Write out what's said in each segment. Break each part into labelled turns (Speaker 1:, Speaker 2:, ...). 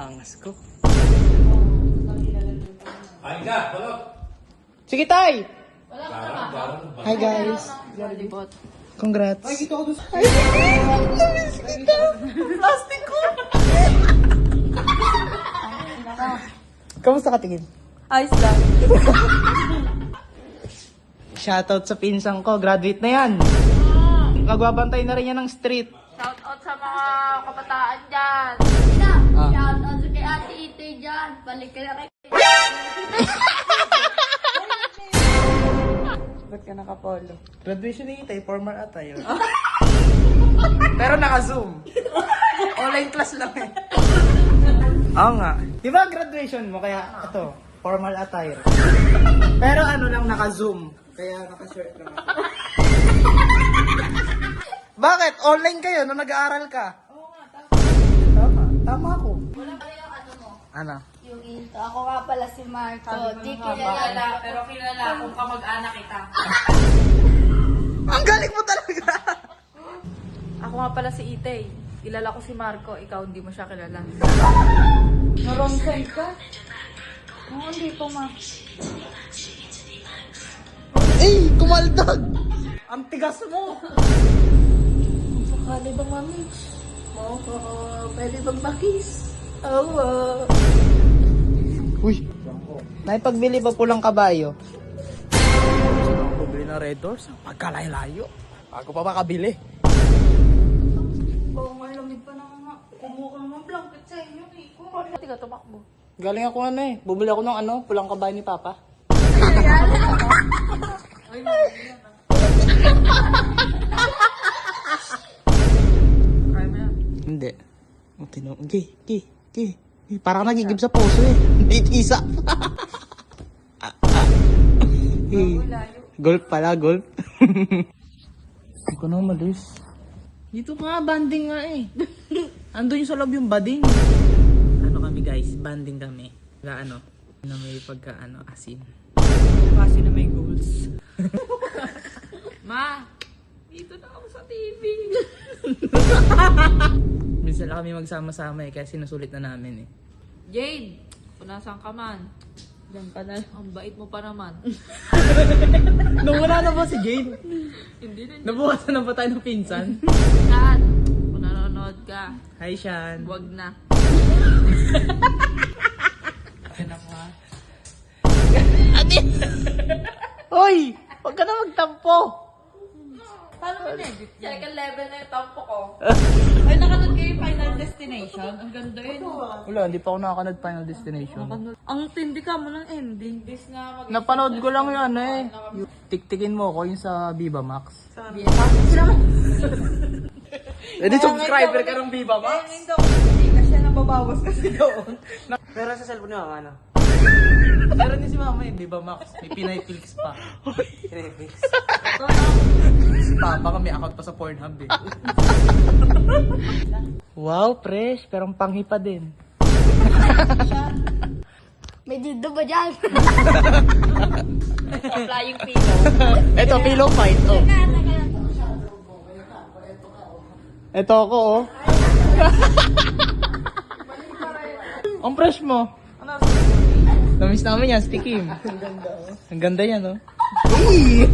Speaker 1: Angas ko.
Speaker 2: Ay ka, balot!
Speaker 1: Sige, tay!
Speaker 2: Garang.
Speaker 1: Hi, guys. Congrats. Ay, kita ko doon. Ay, namiss kita. Plastic ko. Kamusta ka tingin?
Speaker 3: Ayos lang.
Speaker 1: Shoutout sa pinsang ko. Graduate na yan. Magbabantay na rin yan ng street.
Speaker 3: Shout out sa mga kabataan dyan.
Speaker 1: Ah.
Speaker 4: Shout out kay Ate Ite dyan. Balik ka na kay...
Speaker 3: Ba't ka nakapolo?
Speaker 1: Graduation ni Itay, formal attire. Pero naka-zoom. Online class lang eh. Oo nga. Di ba graduation mo? Kaya ito, formal attire. Pero ano lang, naka-zoom. Kaya naka-shirt lang ako. Bakit? Online kayo nung nag-aaral ka?
Speaker 3: Oo nga,
Speaker 1: Tama. Tama ako.
Speaker 4: Wala pa rin yung ano mo.
Speaker 1: Ano?
Speaker 4: Yung intro. Ako nga pala si Marco. Di kilala.
Speaker 3: kilala, pero kilala kung kamag-anak kita.
Speaker 1: Ang galing mo talaga!
Speaker 3: Ako nga pala si Itay. Kilala ko si Marco, ikaw hindi mo siya kilala. Na-wrong side ka? Oo, hindi po ma.
Speaker 1: Eh! Kumaldag! Ang tigas mo!
Speaker 4: Sakali ba, mami? Pwede bang bakis? Oo.
Speaker 1: Uy! Naipagbili ba pulang kabayo? Bumili ng Red Doors? Pagkalayo-layo. Bago pa makabili.
Speaker 4: Oo nga, lamig pa naman nga. Kumuha ng blanket sa inyo.
Speaker 3: Hindi ka tumakbo.
Speaker 1: Galing ako ano eh. Bumili ako ng pulang kabayo ni Papa.
Speaker 3: Kaya mo yan.
Speaker 1: Hindi. Okay. Parang nagigib sa puso eh. Hindi tisa. Golf pala, golf. Hindi ko na umalis. Dito nga, banding nga eh. Andun yung sa loob yung bading. Ano kami guys, banding kami. Ano, na may asin.
Speaker 3: Kasi na may goals. Ma, dito na ako sa TV.
Speaker 1: Minsan lang kami magsama-sama eh, kaya sinusulit na namin eh.
Speaker 3: Jade, kung nasaan ka man. Diyan ka na. Ang bait mo pa naman.
Speaker 1: Nung wala na ba si Jade?
Speaker 3: Hindi na.
Speaker 1: Nabukasan na ba tayo ng pinsan?
Speaker 3: Saan? Kung nanonood ka,
Speaker 1: Hi, Shan.
Speaker 3: wag na.
Speaker 1: Hoy! Huwag ka na magtampo!
Speaker 3: Paano mo na-edit yan? Second level na yung tampo ko. Ay, nakanood kayo yung Final Destination? Ang ganda yun.
Speaker 1: Wala, hindi pa ako nakakanood Final Destination.
Speaker 3: Ang tindi ka mo ng ending. Bis na mag-
Speaker 1: Napanood ko lang yun eh. Yung tiktikin mo ko yung sa Viva Max. Eh di subscriber ka ng Viva Max.
Speaker 3: Hindi daw, hindi ka siya nababawas kasi doon.
Speaker 1: Pero sa cellphone niya ano? Meron din si mama yung Viva Max. May Pinay Flix pa. Pinay Flix. Si Papa ka may account pa sa Pornhub eh. Wow, fresh. Pero ang panghi pa din.
Speaker 4: May dildo ba dyan?
Speaker 3: Flying pillow.
Speaker 1: Ito, pillow fight. Oh. Ito ako oh. Ang fresh mo. Namiss namin yan, Stikim. Ang ganda yan, oh. Hey!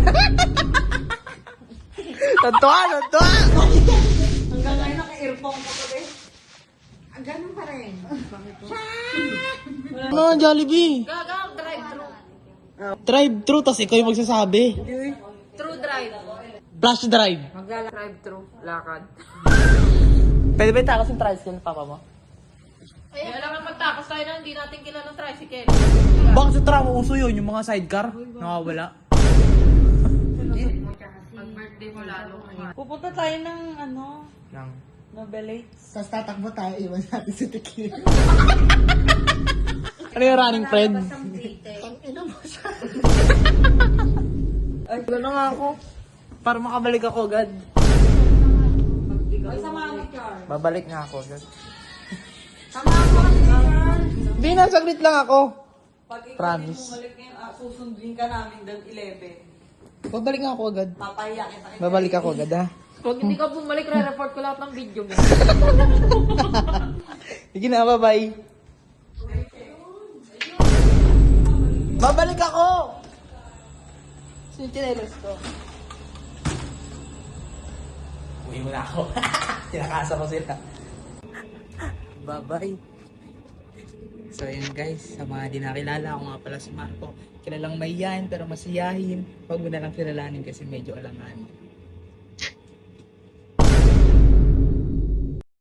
Speaker 1: Tantua!
Speaker 3: Hanggang ngayon naka-earphone ka pa rin. Ang ganun pa rin.
Speaker 1: Ano, Jollibee?
Speaker 3: Gagang drive-thru.
Speaker 1: Drive-thru, tas ikaw yung magsasabi.
Speaker 3: True drive.
Speaker 1: Flash drive.
Speaker 3: Drive-thru. Lakad.
Speaker 1: Pwede ba itakas yung tricycle ng papa mo?
Speaker 3: Ay, alam naman magtakas tayo na hindi natin kilala ng tricycle.
Speaker 1: Bakit sa tramo uso yun? Yung mga sidecar? Nakawala.
Speaker 3: Pag birthday mo lalo.
Speaker 5: Pupunta tayo ng ano,
Speaker 1: Nang.
Speaker 5: Novelates.
Speaker 1: Tapos tatakbo tayo, iwan natin si Tequila. Ano yung running friend? Ay, gano'n nga ako. Para makabalik ako agad.
Speaker 5: Ay, samahan mo, Char.
Speaker 1: Babalik nga ako agad.
Speaker 5: Samahan mo kasi, Char.
Speaker 1: Hindi na, saglit lang ako.
Speaker 5: Pag ikaw
Speaker 1: Promise.
Speaker 5: din bumalik ngayon, susundin ka namin doon 11.
Speaker 1: Babalik nga ako agad.
Speaker 5: Papahiya kita.
Speaker 1: Babalik ako agad ha.
Speaker 3: Pag hindi ka bumalik, re-report ko lahat ng video mo.
Speaker 1: Sige na, bye-bye. Babalik ako! Sinichinelos ko. Uwi mo na ako. Tinakasa ko sila. Bye-bye. So yun guys, sa mga di nakilala, ako nga pala si Marco. Kilalang mahiyain pero masiyahin. Huwag mo na lang kilalanin kasi medyo alangan.